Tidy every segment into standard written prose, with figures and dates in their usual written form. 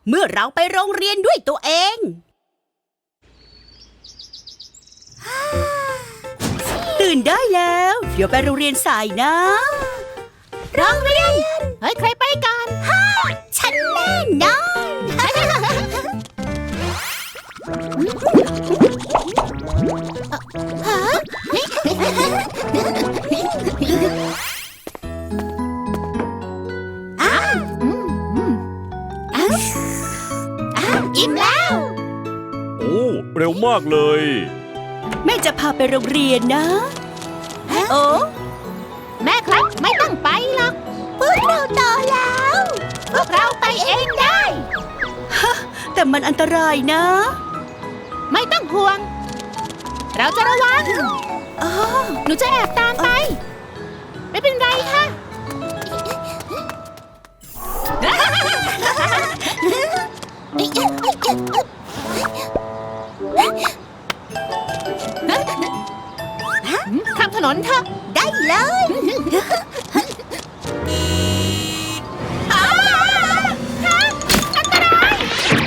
เมื่อเราไปโรงเรียนด้วยตัวเองตื่นได้แล้วเดี๋ยวไปโรงเรียนสายนะโรงเรียนเฮ้ยใครไปก่อนฉันแน่นอนอิ่มแล้วโอ้เร็วมากเลยแม่จะพาไปโรงเรียนนะโอ้แม่ครับไม่ต้องไปหรอกพวกเราโตแล้วพวกเราไปเองได้แต่มันอันตรายนะไม่ต้องห่วงเราจะระวังหนูจะแอบตามไปไม่เป็นไรค่ะข้ามถนนเถอะได้เลยอันตราย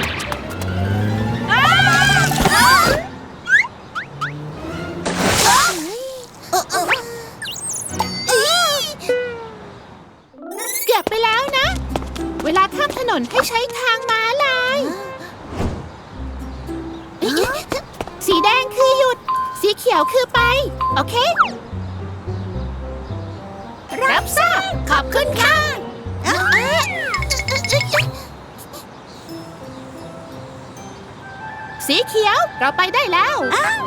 เกือบไปแล้วนะเวลาข้ามถนนให้ใช้ทางม้าลายสีแดงคือหยุดสีเขียวคือไปโอเครับทราบขอบคุณค่ะสีเขียวเราไปได้แล้ว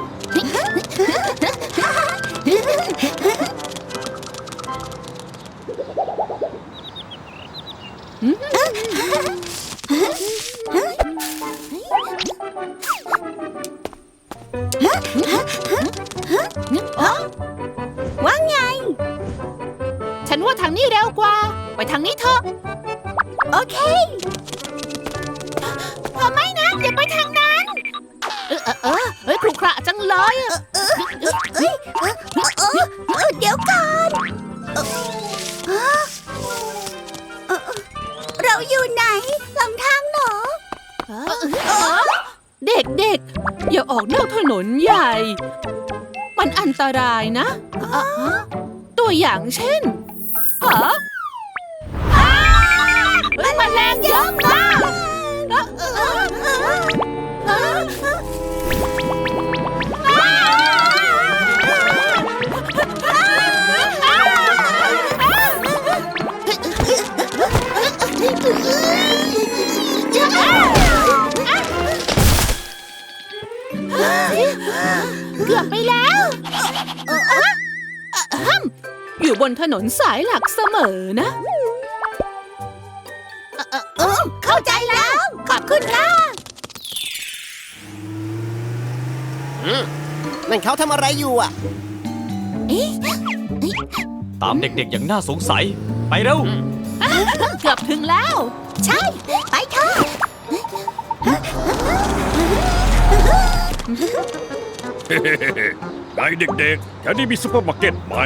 ว่าไงฉันว่าทางนี้เร็วกว่าไปทางนี้เถอะโอเคไม่นะอย่าไปทางนั้นเฮ้ยครุขระจังเลยเดี๋ยวก่อนเราอยู่ไหนหลังทางหรอเด็กๆอย่าออกนอกถนนใหญ่มันอันตรายนะตัวอย่างเช่นมันแรงเยอะมากเกือบไปแล้วอยู่บนถนนสายหลักเสมอนะเข้าใจแล้วขอบคุณค่ะนั่นเขาทำอะไรอยู่อ่ะตามเด็กๆอย่างน่าสงสัยไปเร็วเกือบถึงแล้วใช่ไปเถอะไงเด็กๆแถวนี้มีซุปเปอร์มาร์เก็ตไหม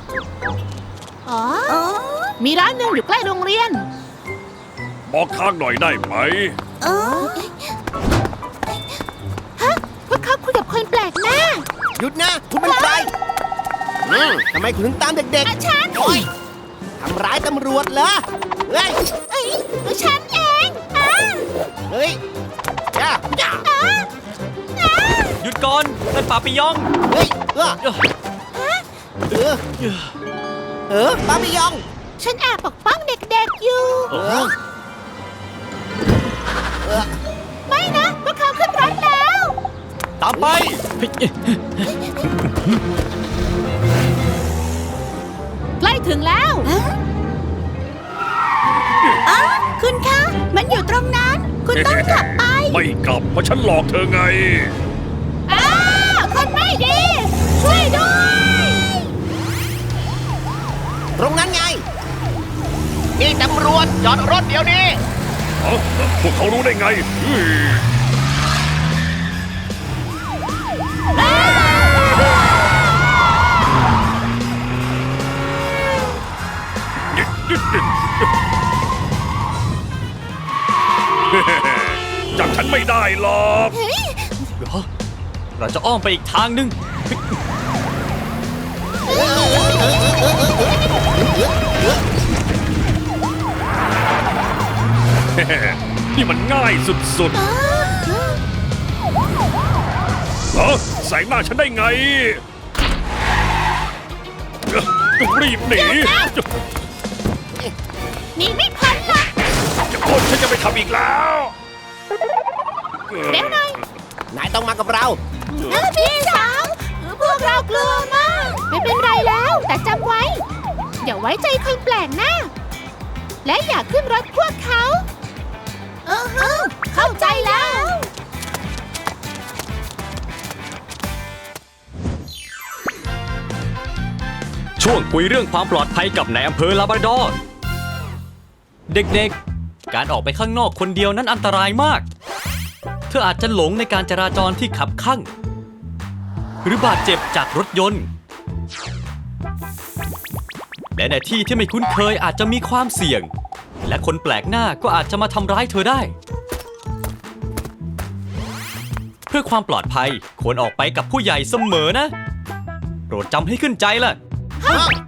มีร้านหนึ่งอยู่ใกล้โรงเรียนบอกทางหน่อยได้ไหมพวกเขาคุยกับคนแปลกหน้าหยุดนะคุณเป็นใครทำไมคุณถึงตามเด็กๆฉันทำร้ายตำรวจเหรอเฮ้ยฉันเองเฮ้ยหยุดก่อนนั่นปาปิยองเฮ้ยปาปิยองฉันแอบปกป้องเด็กๆอยู่ไม่นะพวกเขาขึ้นรถแล้วตามไปใกล้ถึงแล้วคุณคะมันอยู่ตรงนั้นคุณต้องกลับไปไม่กลับเพราะฉันหลอกเธอไงคนไม่ดีช่วยด้วยตรงนั้นไงนี่ตำรวจจอดรถเดี๋ยวนี้พวกเขารู้ได้ไงหรอกเหรอเราจะอ้อมไปอีกทางหนึ่งนี่มันง่ายสุดๆแสงหน้าฉันได้ไงต้องรีบหนีหนีไม่พ้นหรอกฉันจะไปทำอีกแล้วเดี๋ยวหน่อยนายต้องมากับเราพี่สาวพวกเรากลัวมาก ไม่เป็นไรแล้ว แต่จำไว้ อย่าไว้ใจคนแปลกหน้า และอย่าขึ้นรถพวกเขาเข้าใจแล้วช่วงคุยเรื่องความปลอดภัยกับนายอำเภอลาบราดอร์เด็กๆ การออกไปข้างนอกคนเดียวนั้นอันตรายมาก เธออาจจะหลงในการจราจรที่ขับคั่ง หรือบาดเจ็บจากรถยนต์ และในที่ที่ไม่คุ้นเคยอาจจะมีความเสี่ยง และคนแปลกหน้าก็อาจจะมาทำร้ายเธอได้ เพื่อความปลอดภัยควรออกไปกับผู้ใหญ่เสมอนะ โปรดจำให้ขึ้นใจล่ะ